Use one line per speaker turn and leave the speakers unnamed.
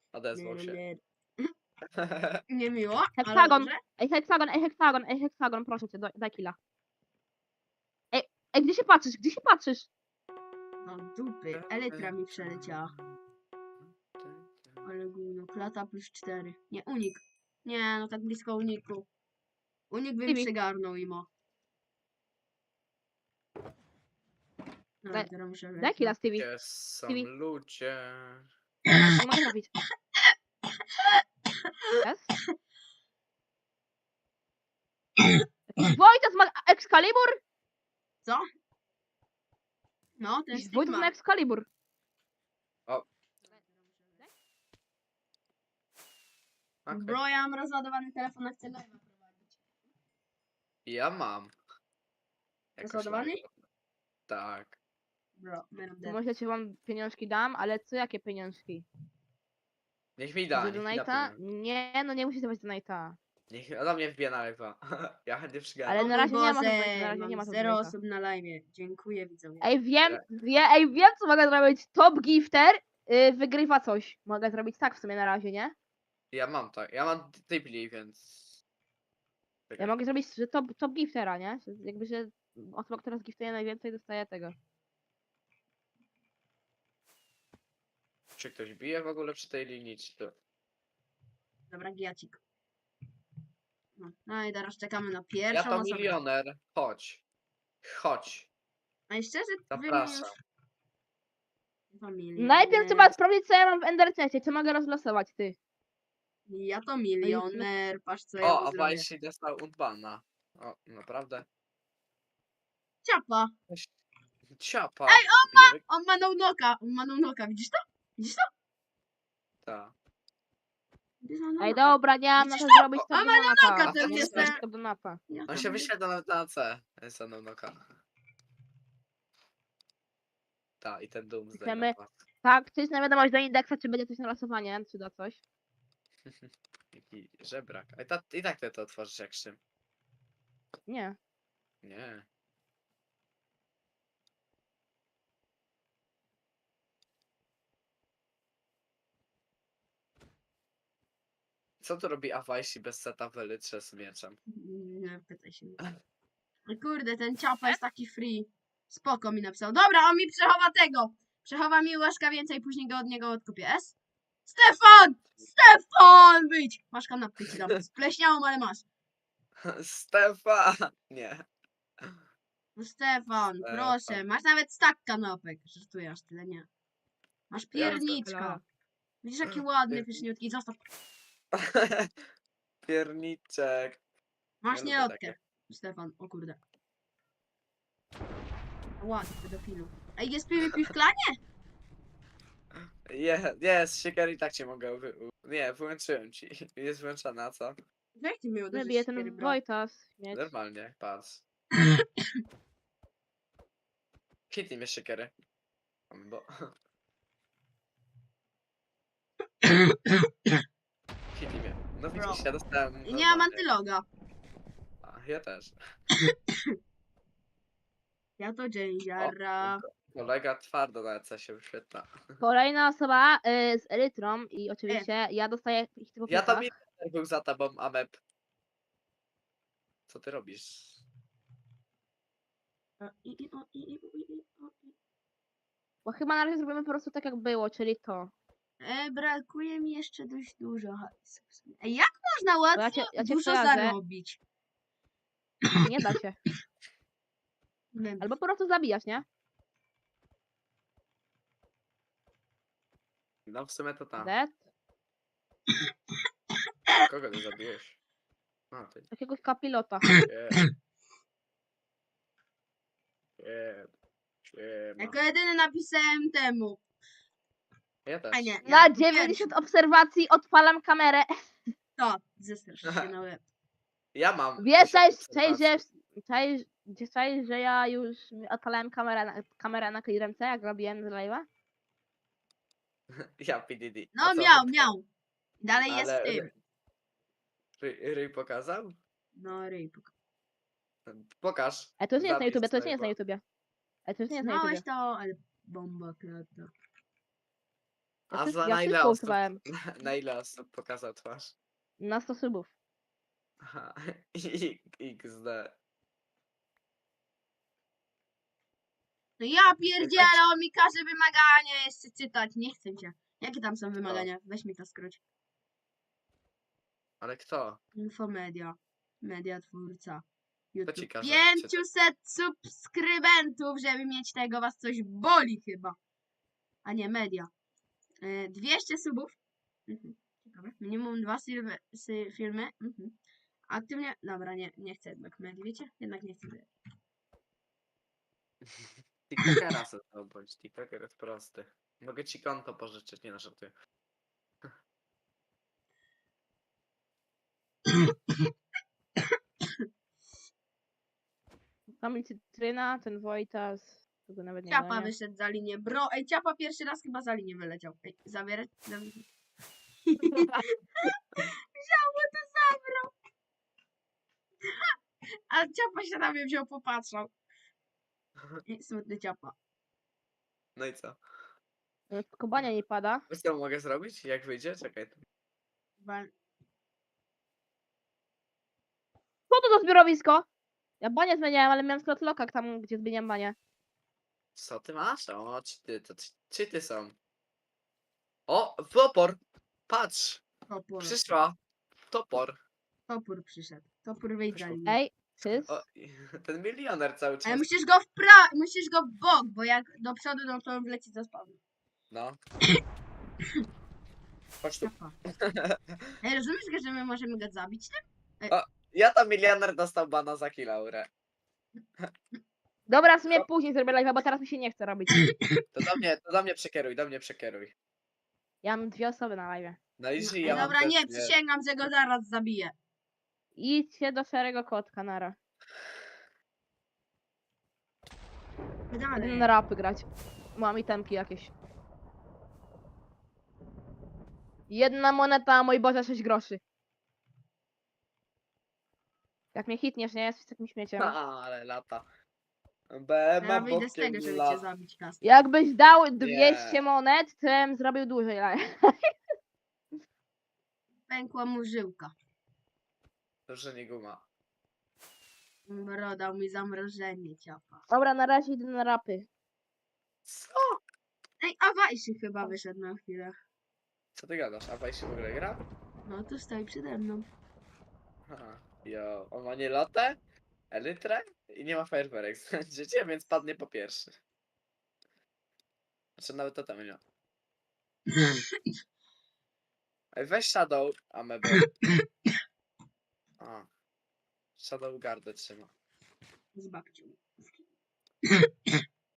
Odezwał się.
Niemiło, ale
Heksagon!
dobrze.
Ej, heksagon, proszę cię, daj killa. Ej, gdzie się patrzysz? Gdzie się patrzysz?
No dupy, elytra mi przeleciała. Ale gówno, klata +4. Nie, unik. Nie, no tak blisko uniku. Unik bym
Stevie.
przygarnął imo. No,
Daj-
teraz muszę
Daj
wejść.
killa, Stevie.
Gdzie są
Stevie.
ludzie?
Nie mogę trafić. Jest? Wojtas ma Excalibur?
No, ten
Jakiś
Steve
Wojtas
ma.
ma Excalibur.
Okay.
Bro, ja mam rozładowany telefon, a chcę live'a prowadzić.
Ja mam. Jakoś
Rozładowany?
live'a. Tak.
Bro, man of
To
death.
może ci wam pieniążki dam, ale co jakie pieniążki?
Niech mi da,
Za
niech mi da
donate'a?
pieniądze.
Nie, no nie musisz dawać donate'a.
Niech do mnie wbije na live'a. Ja chętnie przygadam.
Ale
O
na
mój
razie nie ma
Boże,
donate'a, na razie nie
mam
ma
0
donate'a.
osób na live. Dziękuję widzowie.
Ej, wiem co mogę zrobić. Top gifter wygrywa coś. Mogę zrobić tak w sumie na razie, nie?
Ja mam tak. Ja mam typli, więc.
Ja mogę zrobić że top giftera, nie? Że jakby, że osoba, która zgiftuje najwięcej, dostaje tego.
Czy ktoś bije w ogóle przy tej linii, czy to?
Dobra, giacik. No i teraz czekamy na
Ja
pierwszą
to
osobę.
milioner. Chodź. Chodź.
A i szczerze, wy mnie
Zapraszam.
już... To milioner.
Najpierw trzeba sprawdzić, co ja mam w Enderchestie, co mogę rozlosować, ty.
Ja to milioner, patrz co ja
O,
mu
a
zrobię.
Wajsi dostał unbana. O, naprawdę.
Ciapa.
Ciapa.
Ej,
Bije.
On ma no-knocka, widzisz to? Widzisz to?
Ta.
Widzisz, ma
Ej,
no-knocka.
dobra, nie mam na
Widzisz
to
to?
zrobić
O,
top
ma
donata.
no-knocka, ten
Nie
jest
zrobić
ten-
top donata.
Ja
On
to
się
mówię.
wyświetla na C. Jest noka. Ta, i ten Doomsday
Chcemy-
na pas.
Tak, czy jest na wiadomość do indeksa, czy będzie coś na losowanie, czy da coś.
Jaki żebrak. I tak ty to otworzysz jak szym.
Nie.
Nie. Co tu robi Awajsi bez seta w elytrze z mieczem?
Nie pytaj się. O kurde, ten ciapa jest taki free. Spoko mi napisał. Dobra, on mi przechowa tego. Przechowa mi łaszka więcej, później go od niego odkupię. S? Stefan! Stefan! Wyjdź! Masz kanapkę ci dam. Spleśniałą, ale masz.
Stefan! Nie.
No Stefan, proszę. Masz nawet stak kanapek. Żartuję, aż tyle nie. Masz pierniczka. Widzisz jaki ładny, pyszniutki. Zostaw.
Pierniczek.
Masz
lubię
nierodkę.
takie.
Stefan, o kurde. Ładny pedofilu. Ej, jest PvP w klanie?
Jest, siekier i tak cię mogę Nie, wyłączyłem ci. Jest wyłączona, a co?
Jak ty mnie uderzysz,
Wybije
siekiery,
ten
bro?
Wojtas. Mieć.
Normalnie, patrz. Hitnij mnie siekiery. Bo... Hitnij mnie. No
Bro.
widzisz, ja dostałem...
I nie mam
normalnie.
antyloga.
A, ja też.
Ja to dzięziara.
Kolega twardo na EC się wyświetla.
Kolejna osoba z Elytrą i oczywiście ja dostaję ich typu
Ja to milioner był za tobą, Amep. Co ty robisz?
Bo chyba na razie zrobimy po prostu tak jak było, czyli to.
Brakuje mi jeszcze dość dużo hajsu. Ej, jak można
Bo
łatwo
ja cię
dużo
kojarzę.
zarobić?
Nie da się.
Nie wiem.
Albo po prostu zabijać, nie?
No w sumie to tam.
Dead.
Kogo ty zabiłeś? A, ty.
Jakiegoś kapilota.
Siema.
Jako jedyny napisałem temu.
Ja też.
A nie,
Na
jako
90
pierwszy.
obserwacji odpalam kamerę.
To, zestrasz się na łeb.
Ja mam.
Wiesz,
1000
cześć, że ja już odpalałem kamerę na clearance, jak robiłem z live'a?
Ja PDD.
No
A co,
miał. Dalej jest
Ale
w tym.
Ryj pokazał?
No ryj.
Pokaż.
Ale to już nie jest na
Zapisz
YouTubie, to już
sobie,
nie jest na
bo-
YouTubie. Ale to już nie jest na
Znałeś
YouTubie.
to, ale bomba klata.
A
Ja
za
ja
na ile
wszystko
osób,
usuwałem.
na ile osób pokazał twarz?
Na 100 subów.
Aha, XD.
No ja pierdzielę, on mi każe wymagania jeszcze czytać. Nie chcę cię. Jakie tam są wymagania? Weź mi to skróć.
Ale kto?
Infomedia. Media twórca.
ci
YouTube.
każe
500 subskrybentów, żeby mieć tego, was coś boli chyba. A nie, media. 200 subów. Mhm. Ciekawe. Minimum 2 filmy. Mhm. Aktywnie. Dobra, nie chcę jednak medii, wiecie? Jednak nie chcę.
TikTokera sobie to bądź. TikToker jest prosty. Mogę ci konto pożyczyć, nie żartuję.
Mhm.
Tam Cytryna, ten Wojtas. Tego nawet nie
Ciapa
ogarnia.
wyszedł za linię. Bro, ej, Ciapa pierwszy raz chyba za linię wyleciał. Ej, zabierać? Wziął, bo to zabrał. A Ciapa się na mnie wziął, popatrzał. I smutny Ciapa.
No i co?
Kobania nie pada.
Wiesz co mogę zrobić? Jak wyjdzie? Czekaj.
Co to za zbiorowisko? Ja banie zmieniałem, ale miałem slot lokak tam, gdzie zmieniam banie.
Co ty masz? O, czy ty są? O, topor! Patrz!
Topór.
Przyszła! Topor!
Topór przyszedł. Topór wyjdź za
Przyszło.
linię.
Ej, Chris?
O, ten milioner cały
Ale
czas.
musisz go w bok, bo jak do przodu, no to on wleci za spawnem.
No. Chodź tu.
Ciapa. Ej, rozumiesz, że my możemy go zabić tym?
Ja to milioner dostał bana za kilaurę.
Dobra, w sumie później zrobię live'a, bo teraz mi się nie chce robić.
To do mnie przekieruj, do mnie przekieruj.
Ja mam 2 osoby na live'ie.
No i
Ej,
ja mam
dobra,
też,
nie, przysięgam, że go zaraz zabiję.
Idźcie do szarego kotka, nara. Idę
Dalej.
na rapy grać. Mam itemki jakieś. 1 moneta, mój Boże, 6 groszy. Jak mnie hitniesz, nie? Jesteś takim śmieciem.
Ale lata.
Ja
BM
wyjdę z tego,
bokiem
żeby cię
lata.
zabić, Kas.
Jakbyś dał 200
Nie.
monet, to bym zrobił dłużej live.
Pękła mu żyłka.
To, że nie guma.
Bro, dał mi zamrożenie, Ciapa.
Dobra, na razie idę na rapy.
Co?
Ej, a Wajszy chyba wyszedł na chwilę.
Co ty gadasz? A Wajs się w ogóle gra?
No to stoi przede mną.
Aha. Jo, on ma nie lotę, elytrę i nie ma fajerwerek. Życie, więc padnie po pierwszy. Znaczy nawet to tam nie ma. Ej, weź Shadow Amebo. A. Shadow Gardę trzyma.
Z babcią.